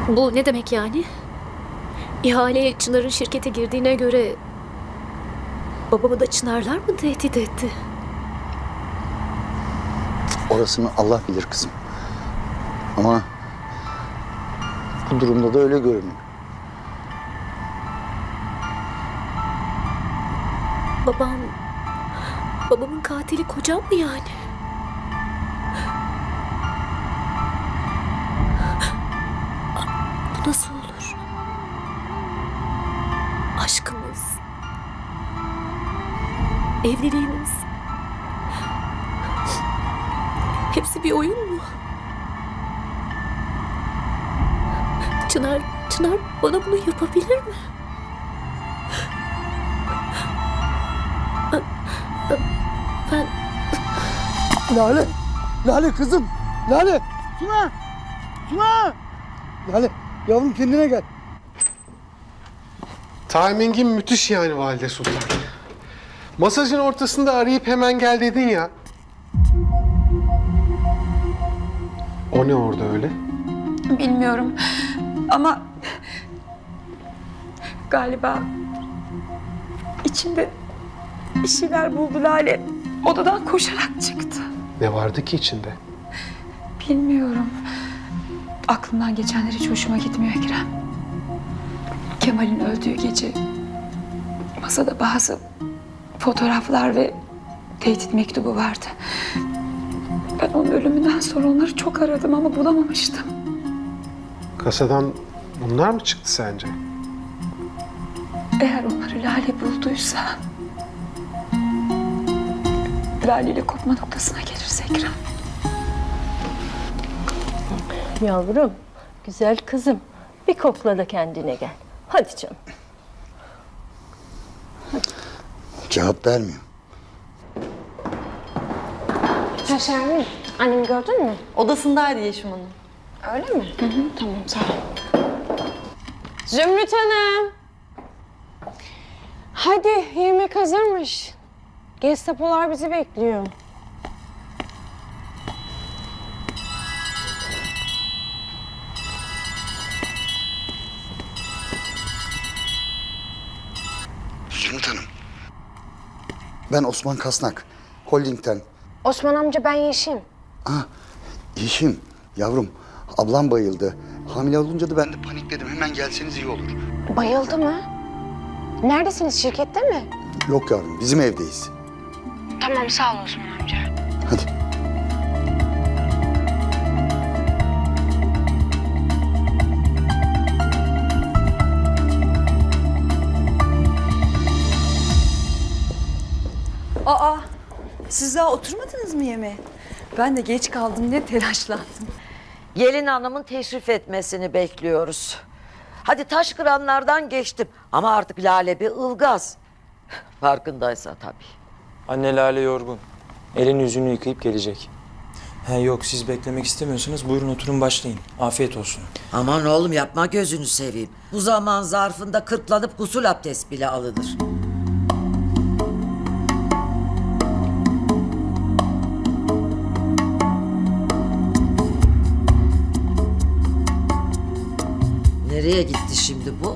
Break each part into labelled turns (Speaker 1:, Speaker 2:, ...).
Speaker 1: Bu ne demek yani? İhaleye Çınar'ın şirkete girdiğine göre babamı da Çınarlar mı tehdit etti?
Speaker 2: Orasını Allah bilir kızım. Ama bu durumda da öyle görünüyor.
Speaker 1: Babamın katili kocam mı yani? Bu nasıl olur? Aşkımız, evliliğimiz, hepsi bir oyun mu? Çınar bana bunu yapabilir mi? Ben
Speaker 2: Lale kızım. Lale. Suna. Lale yavrum kendine gel.
Speaker 3: Timing'in müthiş yani Valide Sultan. Masajın ortasında arayıp hemen gel dedin ya. O ne orada öyle?
Speaker 4: Bilmiyorum ama galiba içinde bir şeyler buldu Lale. Odadan koşarak çıktı.
Speaker 3: Ne vardı ki içinde?
Speaker 4: Bilmiyorum. Aklımdan geçenler hiç hoşuma gitmiyor Ekrem. Kemal'in öldüğü gece masada bazı fotoğraflar ve tehdit mektubu vardı. Ben onun ölümünden sonra onları çok aradım ama bulamamıştım.
Speaker 3: Kasadan bunlar mı çıktı sence?
Speaker 4: Eğer onları Lale bulduysa... Lale ile kopma noktasına gelirse Ekrem.
Speaker 5: Yavrum, güzel kızım. Bir kokla da kendine gel. Hadi canım.
Speaker 2: Cevap vermiyor.
Speaker 6: Ha Şermin, annemi gördün mü?
Speaker 7: Odasındaydı Yeşim Hanım.
Speaker 6: Öyle mi? Tamam, sağ ol. Zümrüt Hanım. Hadi, yemek hazırmış. Gestapolar bizi bekliyor.
Speaker 2: Zümrüt Hanım. Ben Osman Kasnak. Holding'ten.
Speaker 6: Osman amca, ben Yeşim.
Speaker 2: Yeşim, yavrum. Ablam bayıldı. Hamile olunca da ben de panikledim. Hemen gelseniz iyi olur.
Speaker 6: Bayıldı mı? Neredesiniz, şirkette mi?
Speaker 2: Yok yavrum, bizim evdeyiz.
Speaker 6: Tamam, sağ ol Osman amca.
Speaker 2: Hadi.
Speaker 7: Aa, siz daha oturmadınız mı yemeğe? Ben de geç kaldım diye telaşlandım.
Speaker 8: Gelin hanımın teşrif etmesini bekliyoruz. Hadi taş kıranlardan geçtim ama artık Lale bir ılgaz. Farkındaysa tabii.
Speaker 9: Anne Lale yorgun. Elini yüzünü yıkayıp gelecek. Yok siz beklemek istemiyorsanız buyurun oturun başlayın. Afiyet olsun.
Speaker 8: Aman oğlum yapma gözünü seveyim. Bu zaman zarfında kırklanıp gusül abdest bile alınır. Nereye gitti şimdi bu?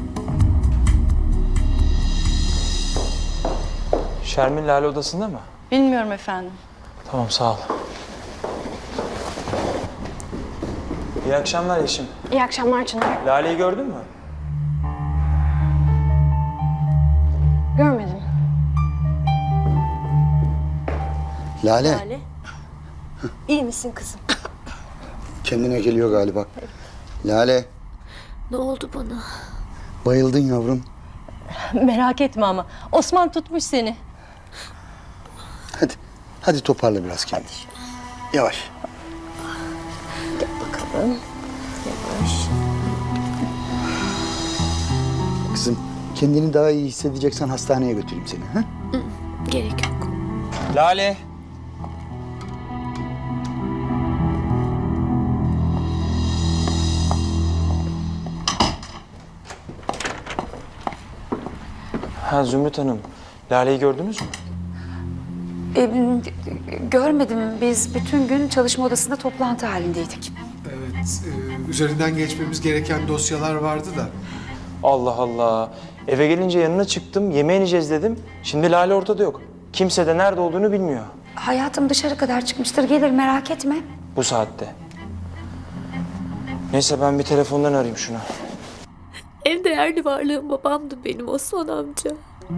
Speaker 9: Şermin Lale odasında mı?
Speaker 7: Bilmiyorum efendim.
Speaker 9: Tamam sağ ol. İyi akşamlar Yeşim.
Speaker 6: İyi akşamlar Çınar.
Speaker 9: Lale'yi gördün mü?
Speaker 6: Görmedim.
Speaker 2: Lale,
Speaker 5: Lale. İyi misin kızım?
Speaker 2: kendine geliyor galiba. Lale,
Speaker 1: ne oldu bana?
Speaker 2: bayıldın yavrum.
Speaker 5: Merak etme ama. Osman tutmuş seni.
Speaker 2: Hadi toparla biraz kendini. Yavaş.
Speaker 5: Gel bakalım. Yavaş.
Speaker 2: Kızım, kendini daha iyi hissedeceksen hastaneye götüreyim seni. Ha?
Speaker 1: Gerek yok.
Speaker 9: Lale. Zümrüt Hanım, Lale'yi gördünüz mü?
Speaker 4: Görmedim. Biz bütün gün çalışma odasında toplantı halindeydik.
Speaker 3: Evet, üzerinden geçmemiz gereken dosyalar vardı da.
Speaker 9: Allah Allah. Eve gelince yanına çıktım, yemeğe ineceğiz dedim. Şimdi Lale ortada yok. Kimse de nerede olduğunu bilmiyor
Speaker 7: Hayatım dışarı kadar çıkmıştır. Gelir, merak etme.
Speaker 9: bu saatte. Neyse ben bir telefondan arayayım şunu.
Speaker 1: En değerli varlığım babamdı benim, Osman amca.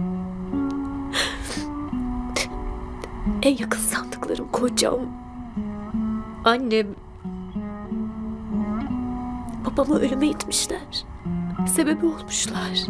Speaker 1: En yakın sandıklarım kocam. Annem. Babamı ölüme itmişler. Sebebi olmuşlar.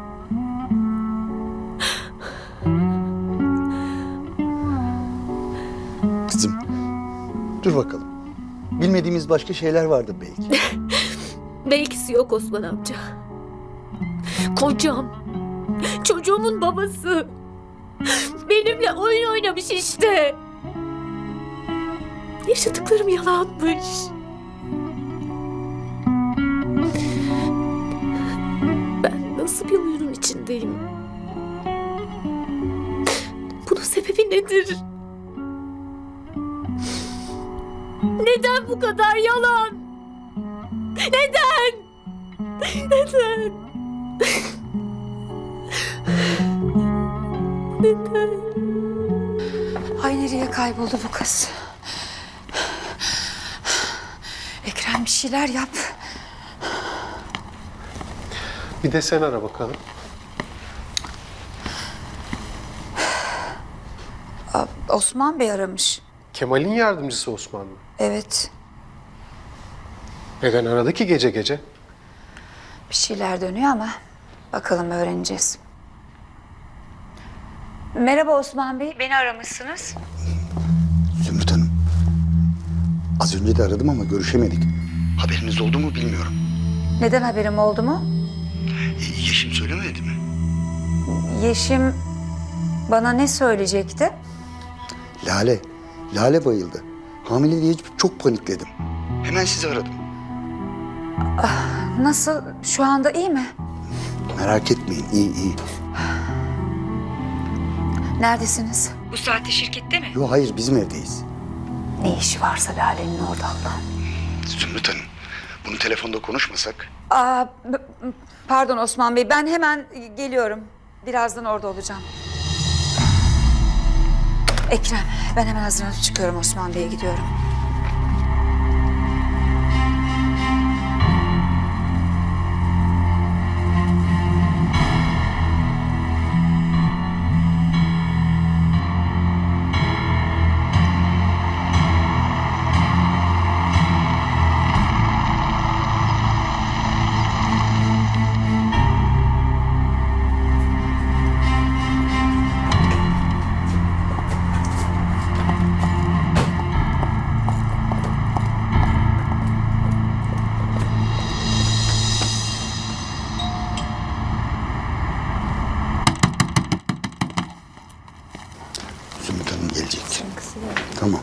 Speaker 2: Kızım, dur bakalım. Bilmediğimiz başka şeyler vardı belki.
Speaker 1: Belkisi yok Osman amca. Kocam. Çocuğumun babası. Benimle oyun oynamış işte. Yaşadıklarım yalanmış. Ben nasıl bir oyunun içindeyim? Bunun sebebi nedir? Neden bu kadar yalan? Neden? Neden?
Speaker 7: Ay nereye kayboldu bu kız? Ekrem bir şeyler yap.
Speaker 3: Bir de sen ara bakalım.
Speaker 7: Osman Bey aramış.
Speaker 3: Kemal'in yardımcısı Osman mı?
Speaker 7: Evet,
Speaker 3: Neden aradı ki gece gece?
Speaker 7: bir şeyler dönüyor ama bakalım öğreneceğiz. Merhaba Osman Bey, beni aramışsınız.
Speaker 2: Zümrüt Hanım. Az önce de aradım ama görüşemedik. Haberiniz oldu mu bilmiyorum.
Speaker 7: Neden haberim oldu mu?
Speaker 2: Yeşim söylemedi mi?
Speaker 7: Yeşim bana ne söyleyecekti?
Speaker 2: Lale. Lale bayıldı. Hamile diye çok panikledim. Hemen sizi aradım.
Speaker 7: Nasıl? Şu anda iyi mi?
Speaker 2: Merak etmeyin, iyi.
Speaker 7: Neredesiniz? Bu saatte şirkette mi?
Speaker 2: Yok hayır, bizim evdeyiz.
Speaker 7: Ne işi varsa Lale'nin orada Allah'ım.
Speaker 2: Zümrüt Hanım, bunu telefonda konuşmasak?
Speaker 7: Pardon Osman Bey, ben hemen geliyorum. Birazdan orada olacağım. Ekrem, ben hemen hazırlanıp çıkıyorum, Osman Bey'e gidiyorum.
Speaker 2: Zümrüt Hanım gelecek. Tamam.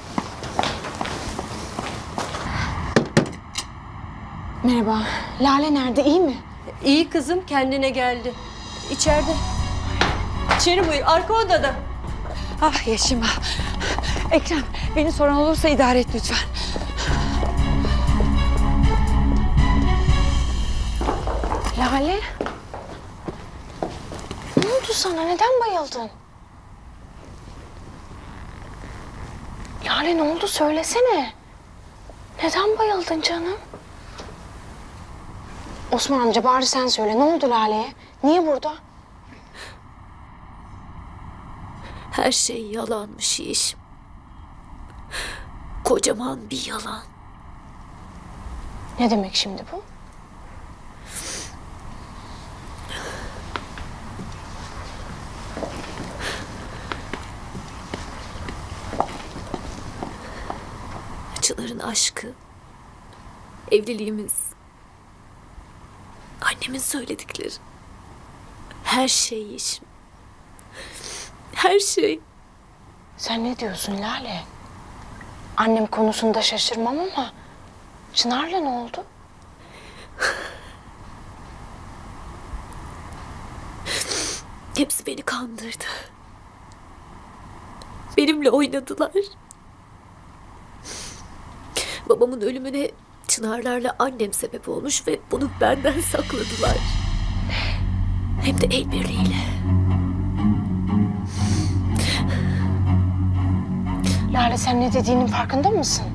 Speaker 6: Merhaba. Lale nerede? İyi mi?
Speaker 5: İyi kızım, kendine geldi. İçeride. İçeri buyur, arka odada.
Speaker 7: Ah Yeşim ah. Ekrem, beni soran olursa idare et lütfen.
Speaker 6: Lale? Ne oldu sana? Neden bayıldın? Lale ne oldu? Söylesene. Neden bayıldın canım? Osman amca bari sen söyle. Ne oldu Lale'ye? Niye burada?
Speaker 1: Her şey yalanmış Yeşim. Kocaman bir yalan.
Speaker 6: Ne demek şimdi bu?
Speaker 1: Çınar'ın aşkı, evliliğimiz, annemin söyledikleri. Her şey Yeşim. Her şey.
Speaker 6: Sen ne diyorsun Lale? Annem konusunda şaşırmam ama Çınar'la ne oldu?
Speaker 1: Hepsi beni kandırdı. Benimle oynadılar. Babamın ölümüne Çınarlarla annem sebep olmuş ve bunu benden sakladılar. Hem de el birliğiyle.
Speaker 6: Lale sen ne dediğinin farkında mısın?